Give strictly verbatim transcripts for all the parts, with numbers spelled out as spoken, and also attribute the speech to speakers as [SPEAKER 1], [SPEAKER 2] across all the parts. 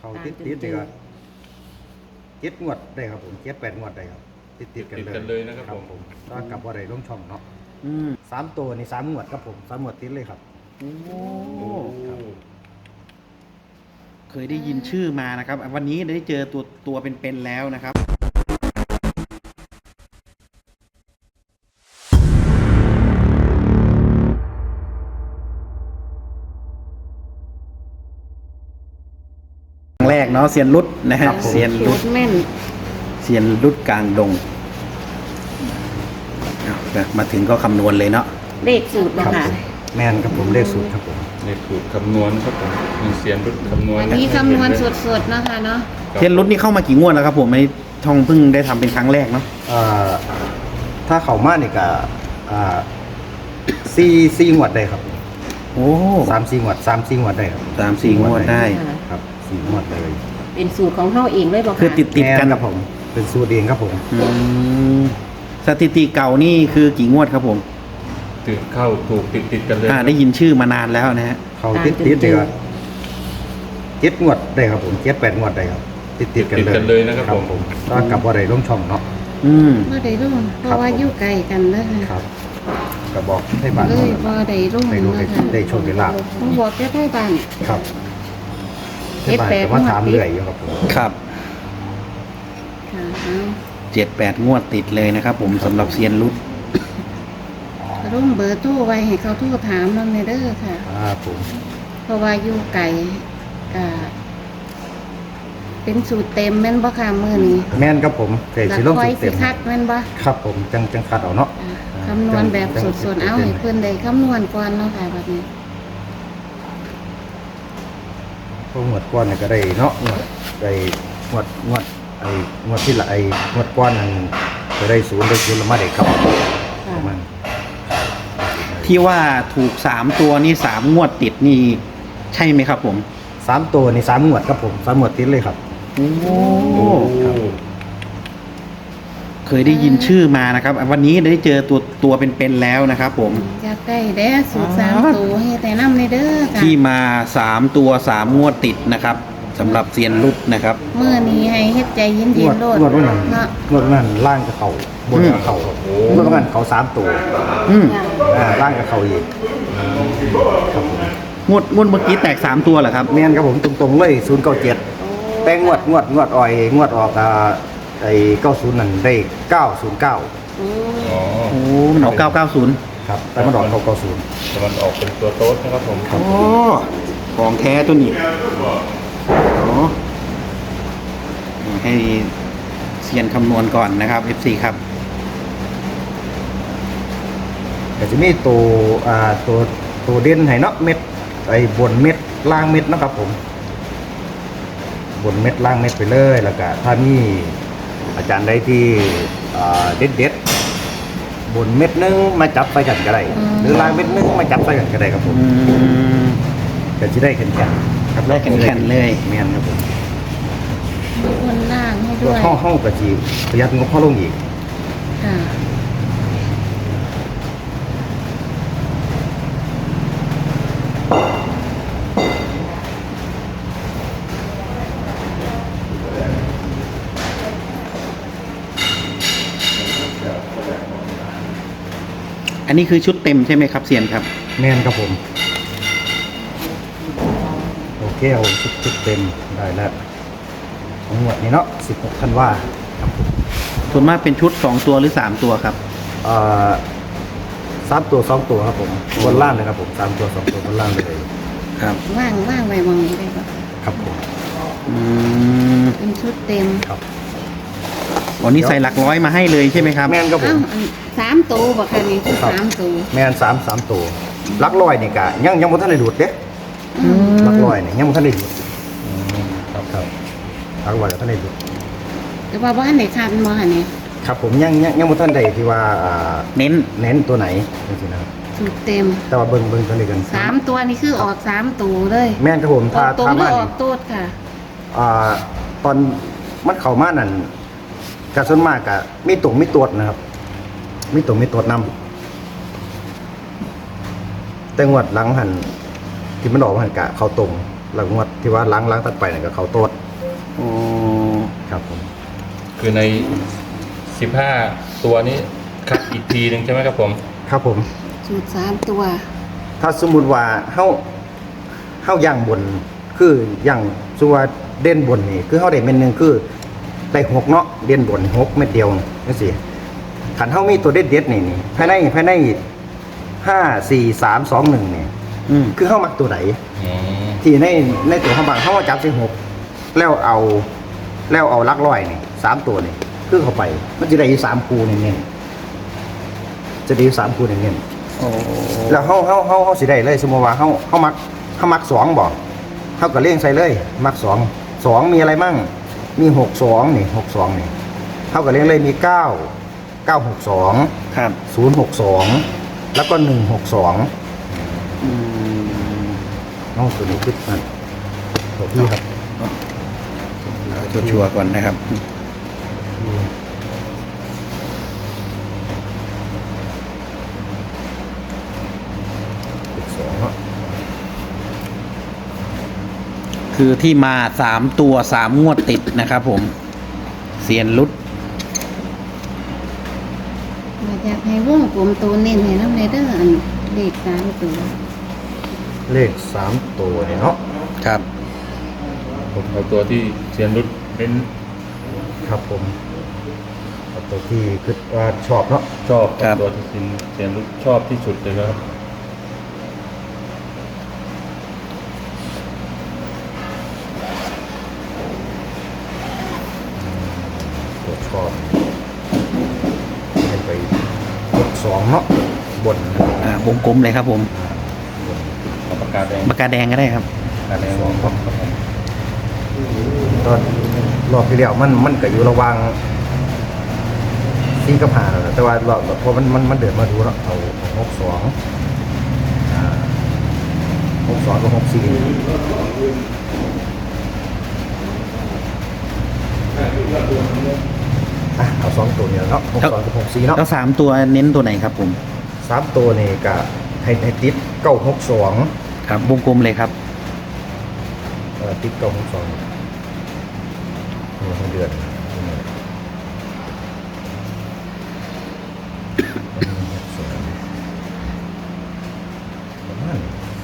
[SPEAKER 1] เขาติดติดเลยครับเจ็ดงวดได้ครับผมเจ็ดแปดงวดได้ครับติดติดกันเลย
[SPEAKER 2] เลยนะครับผม
[SPEAKER 1] ก็กลับว่าได้ลงช่องเนาะ
[SPEAKER 3] อืม
[SPEAKER 1] สามตัวนี่สามงวดครับผมสามงวดติดเลยครับ
[SPEAKER 3] โอ้
[SPEAKER 2] โอ้
[SPEAKER 3] เคยได้ยินชื่อมานะครับ วันนี้ได้เจอตัวตัวเป็นๆแล้วนะครับครั้งแรกเนาะเซียนรุดนะฮะเซียนรุด
[SPEAKER 4] แม่น
[SPEAKER 3] เซียนรุดกลางดงเอาละมาถึงก็คำนวณเลยเนาะ
[SPEAKER 4] เลขสูตร
[SPEAKER 1] ครับ
[SPEAKER 4] ค่ะ
[SPEAKER 1] ผมแม่นครับผมเลขสูตรครับผม
[SPEAKER 2] ในสูตรคำนวณครับผมมีเสียนรุดคำนวณ
[SPEAKER 4] อันนี้คำนวณสดๆเนาะค่ะเนาะ
[SPEAKER 3] เซียนรุดนี่เข้ามากี่งวดแล้วครับผมไม่ท่องเพิ่งได้ทำเป็นครั้งแรกเนาะ
[SPEAKER 1] เอ่อถ้าเขามานี่ก็อ่าสี่สี่งวดได้ครับ
[SPEAKER 3] โอ้
[SPEAKER 1] สามสี่งวดสามสี่งวดได้ครับ
[SPEAKER 3] สามสี่งวดได้
[SPEAKER 4] ค่ะ
[SPEAKER 1] ครับสี่งวดเลย
[SPEAKER 4] เป็นสูตรของเฮาเองเลยบอก
[SPEAKER 3] คือติดติดๆกัน
[SPEAKER 1] แม่ครับผมเป็นสูตรเองครับผม
[SPEAKER 3] อืมสถิติเก่านี่คือกี่งวดครับผม
[SPEAKER 2] ติดเข้าถูกติดติดกันเลย
[SPEAKER 3] อ่าได้ยินชื่อมานานแล้วนะฮะ
[SPEAKER 1] เขาติดติดเลยครับเจ็ดงวดได้ครับผมเจ็ดแปดงวดได้ครับติดติดกัน
[SPEAKER 2] ติด
[SPEAKER 1] เลย
[SPEAKER 2] กันเลยนะครับผม
[SPEAKER 1] ผมก็กลับว่าได้ลงช่องเนาะ
[SPEAKER 3] อืม
[SPEAKER 4] บ่ได้รุ่งเพราะว่าอยู่ไกลกันเด้อ
[SPEAKER 1] ค
[SPEAKER 4] ค่ะ
[SPEAKER 1] รับก็บอกให้บ้าน
[SPEAKER 4] เล
[SPEAKER 1] เขา
[SPEAKER 4] ยบ่ได้รุ่ง
[SPEAKER 1] ได้รู้ได้
[SPEAKER 4] นะคะ
[SPEAKER 1] ได้โชคได้ลาภ
[SPEAKER 4] ต้องบอกแค่ได้บ้าน
[SPEAKER 1] ครับ
[SPEAKER 4] เจ็ดแปด
[SPEAKER 1] ให้บ้านก็มาถาม
[SPEAKER 4] งวดติด
[SPEAKER 1] เรื่อยอยู่ครับผม
[SPEAKER 3] ครับ
[SPEAKER 4] ค่ะเอา
[SPEAKER 3] เจ็ดแปดงวดติดเลยนะครับผมสำหรับเซียนรุด
[SPEAKER 4] รุ่งเบอร์โทรไว้ให้เขาโทรถามนำเด้อค่ะ
[SPEAKER 1] ครับผม
[SPEAKER 4] เพราะว่าอยู่ไกลก็เป็นสูตรเต็มแม่นบ่ค่ะมื้อนี้
[SPEAKER 1] แม่นครับผมเกรด
[SPEAKER 4] แล้ว
[SPEAKER 1] สิลง
[SPEAKER 4] คอ
[SPEAKER 1] สุ
[SPEAKER 4] ย
[SPEAKER 1] ด
[SPEAKER 4] สิ
[SPEAKER 1] เต็ม
[SPEAKER 4] คัดแม่นบ่
[SPEAKER 1] ครับผมจังจังคัดเอาเนาะ
[SPEAKER 4] อ่าคำนวณแบบสดๆ เอาให้เพื่อนได้คำนวณก่อนเนาะค่ะแบบนี้
[SPEAKER 1] พวกงวดก้อนเนี่ยก็ได้เนาะงวดได้งวดงวดไอ้งวดที่ละไอ้งวดก้อนนั้นก็ได้ศูนย์ได้ศูนย์ละมาได้ครับประมาณ
[SPEAKER 3] ที่ว่าถูกสามตัวนี่สามงวดติดนี่ใช่ไหมครับผม
[SPEAKER 1] สามตัวนี่สามงวดครับผมสามงวดติดเลยครับ
[SPEAKER 3] โอ้
[SPEAKER 2] โอ้
[SPEAKER 3] เคยได้ยินชื่อมานะครับ วันนี้ได้เจอตัวตัวเป็นๆแล้วนะครับผม
[SPEAKER 4] อยากได้แด้สูตรสาม
[SPEAKER 3] อ๋อ
[SPEAKER 4] ตัวให้แต่น้ำในเด้อค่ะ
[SPEAKER 3] ที่มาสามตัวสามงวดติดนะครับสำหรับเซียนรุดนะครับ
[SPEAKER 4] เมื่อนี้ให้เฮ็ดใจเย็น
[SPEAKER 1] งวด
[SPEAKER 4] ๆโลด
[SPEAKER 1] งวดวันนั้น
[SPEAKER 4] เนาะ
[SPEAKER 1] งวดวันนั้นล่างกับเขาบนกับเขางวดวันนั้นเขาสามตัว
[SPEAKER 3] อืม
[SPEAKER 1] อ่าล่างกับเขาอีกครับผม
[SPEAKER 3] งวดงวดเมื่อกี้แตกสามตัวเหรอครับ
[SPEAKER 1] แม่นครับผมตรงๆเลยศูนย์เก้าเจ็ดแต่งวดงวดงวดอ่อยงวดออกอ่าไอ้เก้าศูนย์นั่นได้เก้าศูนย์เก้า
[SPEAKER 4] โอ้
[SPEAKER 2] อ๋อ
[SPEAKER 3] โอ้มันออกเก้าเก้าศูนย์
[SPEAKER 1] ครับแต่มันออกเก้าเก้าศูนย์
[SPEAKER 2] แต่มันออกเป็นตัวโต๊ดนะครับผม
[SPEAKER 3] โอ้ของแท้ตัวนี้อ๋อให้เซียนคำนวณก่อนนะครับ เอฟ ซี ครับ
[SPEAKER 1] แต่จะมีตัวอ่าตัวตัวเด่นให้เนาะเม็ดไอ้บนเม็ดล่างเม็ดเนาะครับผม บนเม็ดล่างเม็ดไปเลยแล้วก็ถ้ามีอาจารย์ใดที่เด็ดเด็ดๆบนเม็ดนึงมาจับไปกันก็ได้หรือล่างเม็ดนึงมาจับไปกันก็ได้ครับผม
[SPEAKER 3] อืม
[SPEAKER 1] ก็จะได้แข็งแข็งครับ
[SPEAKER 3] ได้แข็งๆเลย
[SPEAKER 1] เมียนครับผม
[SPEAKER 4] มีคนล่างให้
[SPEAKER 1] ตั
[SPEAKER 4] ด้
[SPEAKER 1] ว
[SPEAKER 4] วย
[SPEAKER 1] ห้องห้องกระจีประหยัดงบเข้าลงอีก
[SPEAKER 4] ค่ะ
[SPEAKER 3] อันนี้คือชุดเต็มใช่ไหมครับเซียนครับ
[SPEAKER 1] เมียนครับผมโอเคเอาชุดชุดเต็มได้แล้วของหมวดนี้เนาะสิบหกธันวาครับผม
[SPEAKER 3] ส่วนมากเป็นชุดสองตัวหรือสามตัวครับ
[SPEAKER 1] เอ่อสามตัวสองตัวครับผมบนล่างเลยครับผมสามตัวสองตัวบนล่างเลย
[SPEAKER 4] ว่างว่างไว้มองนี้ได้ปะ
[SPEAKER 1] ครับผม
[SPEAKER 3] อืม
[SPEAKER 4] เป็นชุดเต็ม
[SPEAKER 1] ครับ
[SPEAKER 3] วันนี้ใส่หลักร้อยมาให้เลยใช่ไหมครับ
[SPEAKER 1] แม่นครับผ
[SPEAKER 4] เอ้าม อันสามตัวบ่ค่ะนี่คือ
[SPEAKER 1] ครับ
[SPEAKER 4] สามตัว
[SPEAKER 1] แม่นสามสามตัวลักลอยนี่กะยังยังบ่ทันได้ดูดเด้
[SPEAKER 4] อืม
[SPEAKER 1] ลักลอยนี่ยังบ่ทันได้ดูดครับครับลักลอยก็ทันได้ดูด
[SPEAKER 4] แต่ว่าบ้านไหนคันบ่ค่ะนี่
[SPEAKER 1] ครับผมยังยังยังบ่ทันได้ที่ว่าอ่า
[SPEAKER 3] เน้น
[SPEAKER 1] เน้นตัวไหนจังซี่นะครับ
[SPEAKER 4] สูตรเต็ม
[SPEAKER 1] แต่ว่าเบิ่งเบิ่งตัวนี้กัน
[SPEAKER 4] สามตัวนี่คือออกสามตัวเลย
[SPEAKER 1] แม่นครับผม
[SPEAKER 4] อ
[SPEAKER 1] ถ้า
[SPEAKER 4] อกตรง
[SPEAKER 1] ถ้า
[SPEAKER 4] หรือ
[SPEAKER 1] มา
[SPEAKER 4] อ
[SPEAKER 1] นี่
[SPEAKER 4] อกตูดค่ะ
[SPEAKER 1] อ่าตอนมันเข้ามานั่นกะส่วนมากกะมีตุ่มมีตรวจนะครับ มีตุ่มมีตรวจนำแต่งวดหลังหันที่มันออกมาหันกะเข้าตรงแล้วงวดที่ว่าล้างล้างตัดไปเนี่ยก็เขาโตด
[SPEAKER 3] โอ้
[SPEAKER 1] ครับผม
[SPEAKER 2] คือในสิบห้าตัวนี้คัดอีกทีหนึ่งใช่ไหมครับผม
[SPEAKER 1] ครับผม
[SPEAKER 4] สูตรสามตัว
[SPEAKER 1] ถ้าสมมุติว่าเฮาเฮาย่างบนคืออย่างสมมุติว่าเด่นบนนี่คือเฮาได้เม็ดหนึงคือได้หกเนาะเด่นบนหกเม็ดเดียวจังซี่คันเฮามีตัวเด็ดๆนี่นี่ภายในภายในห้า สี่ สาม สอง หนึ่งนี่
[SPEAKER 3] อืม
[SPEAKER 1] คือเฮามักตัวไหน
[SPEAKER 2] อืม
[SPEAKER 1] ที่ในในตัวเขาบางเขาว่าจับใส่หกแล้วเอาแล้วเอาหลักร้อยนี่สามตัวนี่คือเข้าไป มันจะได้อยู่สามคูเน้นๆจะได้อยู่สามคูเน้น
[SPEAKER 3] โอ้
[SPEAKER 1] ๆแล้วเขาเขาเขาเขาสิได้เลยสมมติว่าเขาเขามักเขามักสองบอกเขาก็เลี้ยงใส่เลย มักสองสองมีอะไรมั่งมีหกสองนี่หกสองนี่เขาก็เลี้ยงเลยมีเก้าเก้าหกสอง
[SPEAKER 3] ครับ
[SPEAKER 1] ศูนย์หกสองแล้วก็หนึ่งหกสอง
[SPEAKER 3] อืม
[SPEAKER 1] น้องตัวนี้คิดมันตัวพี่ครับ
[SPEAKER 3] เอาชัวร์ๆก่อนนะครับ
[SPEAKER 1] สองเนาะ
[SPEAKER 3] คือที่มาสามตัวสามงวดติดนะครับผมเซียนรุด
[SPEAKER 4] อยากให้วงกลมตัวเน้นให้น้ำในเด้ออันเลขสามตัว
[SPEAKER 1] เลขสามตัวเนี่ยเนาะ
[SPEAKER 3] ครับ
[SPEAKER 2] ผมเอาตัวที่เซียนรุดเป็น
[SPEAKER 1] ครับผมเอาตัวที่คือว่าชอบเนาะ
[SPEAKER 2] ชอบ
[SPEAKER 3] ครับ
[SPEAKER 2] ตัวที่เซียนเซียนรุดชอบที่สุดเลยนะครับ
[SPEAKER 1] ตัวชอบให้ไปกดสองเนาะบน
[SPEAKER 3] อ่าวงกลมเลยครับผม
[SPEAKER 2] เอาปากกาแดง
[SPEAKER 3] ปากกาแดงก็ได้ครับ
[SPEAKER 2] ปากกาแดงครับผม
[SPEAKER 1] ตอนรอบที่แล้วมันมันก็อยู่ระหว่างสี่กับห้าแล้วนะแต่ว่ารอบพอมันมันมันเดินมาดูเนาะเอาหกสองอ่าหกสองกับหกสี่อ่ะเอาสองตัวเนี่ยเนาะหกสองกับหกสี่เนาะ
[SPEAKER 3] แล้วสามตัวเน้นตัวไหนครับผม
[SPEAKER 1] สามตัวนี่ก็ให้ให้ติดเก้าหกสอง
[SPEAKER 3] ครับวงกลมเลยครับ
[SPEAKER 1] เอ่อติดเก้าหกสองเดือนประมาณ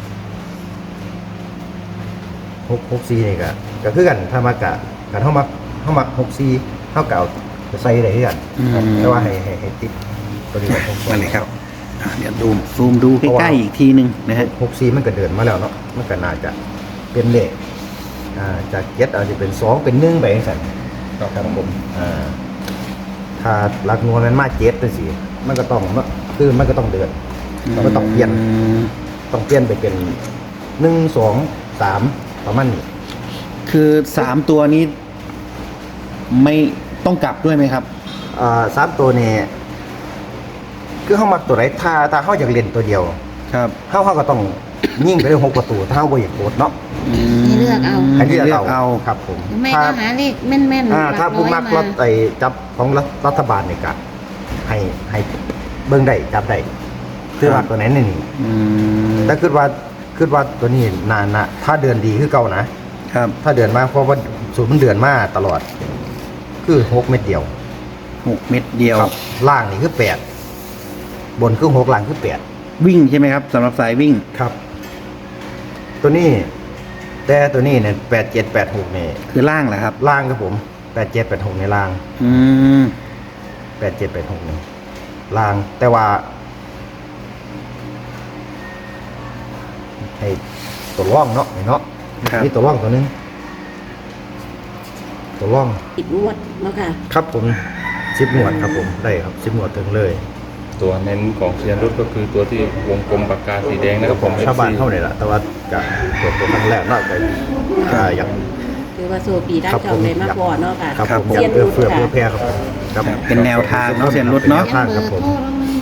[SPEAKER 1] หกหกสี่นี่ก็ก็คือกันถ้ามากะกันเท่ามักเท่ามักหกสี่เท่าเก่าจะใส่ได้ที่กัน
[SPEAKER 3] อืม
[SPEAKER 1] แต่ว่าให้ให้ให้ติดตัวนี้หกสอง
[SPEAKER 3] นั่นเลยครับอ่ะเดี๋ยวดูซูมดูใกล้ๆอีกทีหนึ่งนะฮะ
[SPEAKER 1] หกสี่มันก็เดินมาแล้วเนาะมันก็น่าจะเป็นเลขอ่าจากเจ็ดอาจจะเป็นสองเป็นหนึ่งไปเองสัน ครับผมอ่าถ้าหลักหน่วยมันมาเจ็ดเป็นสี่มันก็ต้องคือมันก็ต้องเดินมันก็ต้องเปลี่ยนต้องเปลี่ยนไปเป็นหนึ่งสองสามประมาณนี้
[SPEAKER 3] คือสามตัวนี้ ไม่ต้องกลับด้วยไหมครับ
[SPEAKER 1] อ่าสามตัวนี้คือเข้ามาตัวไหนถ้าถ้าเข้าอยากเล่นตัวเดียว
[SPEAKER 3] ครับ
[SPEAKER 1] เข้าเข้าก็ต้องยิ่งไปเลยหกประตูถ้าเข้าบ่อยากโกดเนาะ
[SPEAKER 4] ให้เลือกเอา
[SPEAKER 1] ให้เลือก
[SPEAKER 3] เลือกเอา
[SPEAKER 1] เอาครับผม
[SPEAKER 4] หรือไม่
[SPEAKER 1] ถ้า
[SPEAKER 4] ก็หาเลขแม่นๆ
[SPEAKER 1] อ่า
[SPEAKER 4] หลั
[SPEAKER 1] ถ้าผู้
[SPEAKER 4] ร้อย
[SPEAKER 1] มักรถไอ้จับของรัฐรัฐบาลเนี่ยก็ให้ให้เบิ่งได้จับได้คือว่าตัวไหนนี่นี่
[SPEAKER 3] อืม
[SPEAKER 1] แต่คิดว่าคิดว่าตัวนี้นานนะถ้าเดือนดีคือเก่านะ
[SPEAKER 3] ครับ
[SPEAKER 1] ถ้าเดือนมาเพราะว่าสูตรมันเดือนมาตลอด คือหกเม็ดเดียว
[SPEAKER 3] หกเม็ดเดียว
[SPEAKER 1] ครับล่างนี่คือแปดบนคือหกล่างคือแปด
[SPEAKER 3] วิ่งใช่ไหมครับสำหรับสายวิ่ง
[SPEAKER 1] ครับ ตัวนี้ แต่ตัวนี้เนี่ยแปดเจ็ดแปดหกเนี่ย
[SPEAKER 3] คือล่างแหละครับ
[SPEAKER 1] ล่างครับผมแปดเจ็ดแปดหกในล่าง
[SPEAKER 3] อืม
[SPEAKER 1] แปดเจ็ดแปดหกเนี่ยล่าง แต่ว่าให้ตัวร่องเนาะเนาะ
[SPEAKER 3] ครับ
[SPEAKER 1] นี่ตัวร่องตัวหนึงตัวร่อง
[SPEAKER 4] ติดงวดเนาะค่ะ
[SPEAKER 1] ครับผมสิบหนวดครับผมได้ครับสิบหนวดถึงเลย
[SPEAKER 2] ตัวเน้นของเซียนรุดก็คือตัวที่วงกลมปากกาสีแดงนะครับผม
[SPEAKER 1] ชาวบ้านเท่าไหร่ละแต่ว่าจะเปิดตัวครั้งแรกเนาะแต่อ่าอยาก
[SPEAKER 5] คือว่าโซปีได้
[SPEAKER 1] ครับ
[SPEAKER 5] เจ้าเลยมากกว่าเนาะค่ะ
[SPEAKER 1] ครับผมอ
[SPEAKER 5] เซี
[SPEAKER 1] ยาย ก
[SPEAKER 5] น
[SPEAKER 1] เอื้อ
[SPEAKER 5] รุด
[SPEAKER 1] เฟื้อ
[SPEAKER 5] ค่ะ
[SPEAKER 1] เพื่อแพร่ครับครับ
[SPEAKER 3] ครับเป็นแนวทางเนาะเซียนรุดเนาะ
[SPEAKER 1] ทางครับผม
[SPEAKER 4] โทรแล้วไม่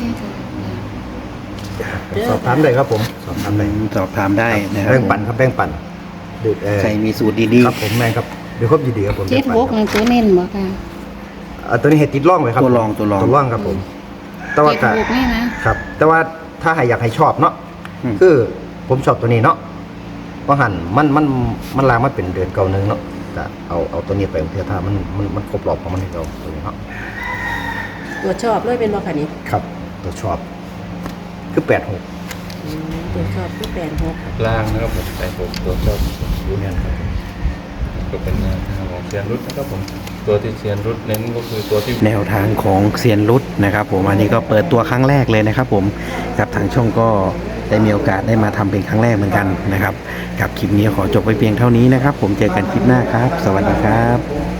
[SPEAKER 4] ได้จ้ะ
[SPEAKER 1] สอบถามได้ครับผมสอบถามได้
[SPEAKER 3] สอบถามได้นะครับ
[SPEAKER 1] แบ่งปันครับแบ่งปันดึกเออ
[SPEAKER 3] ใครมีสูตรดี
[SPEAKER 1] ครับผมแม่งครับเดี๋ยวครบยินดีครับผม
[SPEAKER 4] เจ็ด
[SPEAKER 1] แบ่ง
[SPEAKER 4] ห
[SPEAKER 1] ปั
[SPEAKER 4] ก
[SPEAKER 1] น
[SPEAKER 4] นั่นตัวเน้นบ่ค่ะ
[SPEAKER 1] อ่าตัวนี้เห็ดติดร่องเลยครับ
[SPEAKER 3] ตัวรองตัวรอง
[SPEAKER 1] ตัวร่องครับผม แต่ว่า
[SPEAKER 4] เจ็ด
[SPEAKER 1] ก็
[SPEAKER 4] หกนี่นะ
[SPEAKER 1] ครับ แต่ว่าถ้าใครอยากให้ชอบเนาะ
[SPEAKER 3] อืม
[SPEAKER 1] คือผมชอบตัวนี้เนาะเพราะหันมันมันมันลามมาเป็นเดือนเก่าหนึงเนาะจะเอาเอาตัวนี้ไปเพื่อถ้ามันมันมันครบรอบของมันให้เราตัวนี้เนาะ
[SPEAKER 5] ตัวชอบเลยเป็นบ่ค่ะนี่
[SPEAKER 1] ครับตัวชอบคือแปดหก
[SPEAKER 5] อืมตัวชอบคือแปดหก
[SPEAKER 2] ล่างนะครับผมแปดหกตัวชอบ
[SPEAKER 1] ยูเนียนครับ
[SPEAKER 2] ก็เป็นแนวทางของเซียนรุดนะครับผมตัวที่เซียนรุดเน้นก็คือตัวที่
[SPEAKER 3] แนวทางของเซียนรุดนะครับผมอันนี้ก็เปิดตัวครั้งแรกเลยนะครับผมกับทางช่องก็ได้มีโอกาสได้มาทำเป็นครั้งแรกเหมือนกันนะครับกับคลิปนี้ขอจบไปเพียงเท่านี้นะครับผมเจอกันคลิปหน้าครับ สวัสดีครับ